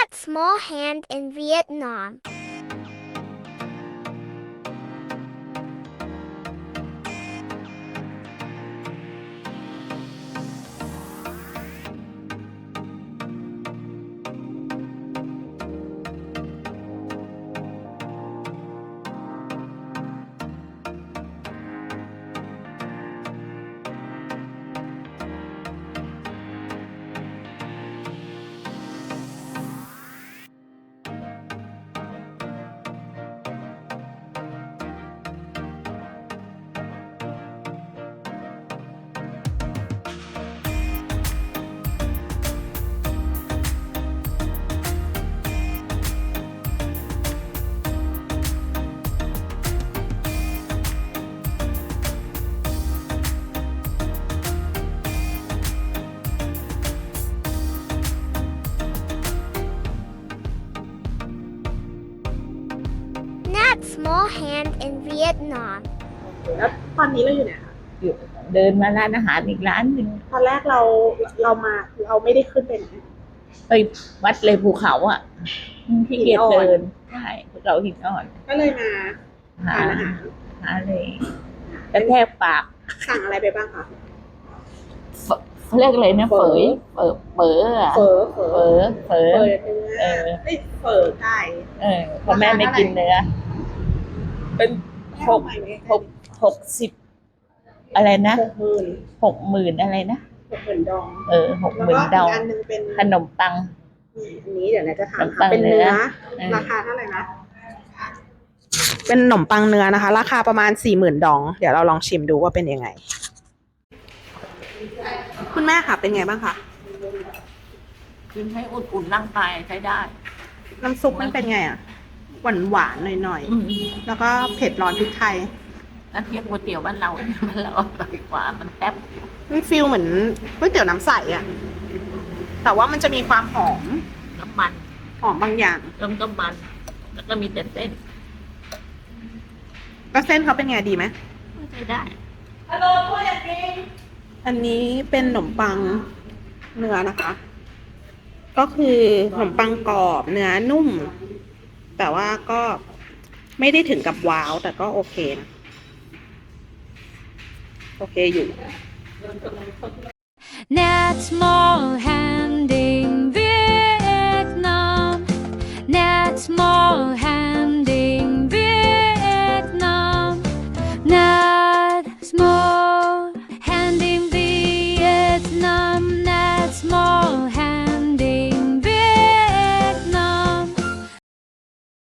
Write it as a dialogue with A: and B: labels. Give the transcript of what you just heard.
A: That small hand in Vietnam. That small hand in Vietnam.
B: แล้วตอนนี้เราอยู่ไหนคะ
C: อยู่เดินมาร้านอาหารอีกร้านหนึ่ง
B: ตอนแรกเราไม่ได้ขึ้นไปไหน
C: ไปวัดเลยภูเขาอ่ะที่เกียจเดินใช่ภูเขาหินอ่อน
B: ก็เลยมา
C: หา
B: ทานอาหาร
C: หาเลยกระแทกปาก
B: สั่งอะไรไปบ้างคะ
C: เขาเรียกอะไรนะเฝยเฝออะ
B: เฝอ
C: เฝอ
B: เนื้อ
C: เออ
B: เอ้ยเฝอไก่
C: เพราะแม่ไม่กินเนื้อเป็น60อะไรนะ
B: 60,000
C: อะไรนะ
B: 60,000 ดอง
C: 60,000 ดอง
B: แล้วก็อีกอันหนึงเป็น
C: ขนมปัง
B: อันนี้เดี๋ยวนะจะถาม
C: ขนมปั
B: ค่ะ
C: ง
B: เป็นเนื้อ
C: เนื้อ
B: ราคาเท่าไหร่นะ เป็นขนมปังเนื้อนะคะ ราคาประมาณ 40,000 ดอง เดี๋ยวเราลองชิมดูว่าเป็นยังไง คุณแม่ค่ะเป็นไงบ้างคะ
C: กินให้อุ่นๆร่างกายใช้ได้
B: น้ำซุปมันเป็นไงอ่ะ หวานๆหน่อยๆ แล้วก็เผ็ดร้อนพริกไทย
C: แล้วเทียบก๋วยเตี๋ยวบ้านเราเนี่ยมันเราอร่อยกว่ามันแซ่บ
B: มันฟีลเหมือนก๋วยเตี๋ยวน้ำใสอ่ะ แต่ว่ามันจะมีความหอม
C: น้ำมัน
B: หอมบางอย่าง
C: เริ่มต้นมันแล้วก็มีแต่เส้น
B: ก็เส้นเขาเป็นไงดีไหม
C: ใช้ได้
B: อันนี้เป็นขนมปังเนื้อนะคะ ก็คือขนมปังกรอบเนื้อนุ่ม แต่ว่าก็ไม่ได้ถึงกับว้าว แต่ก็โอเคนะ โอเคอยู่
D: That small hand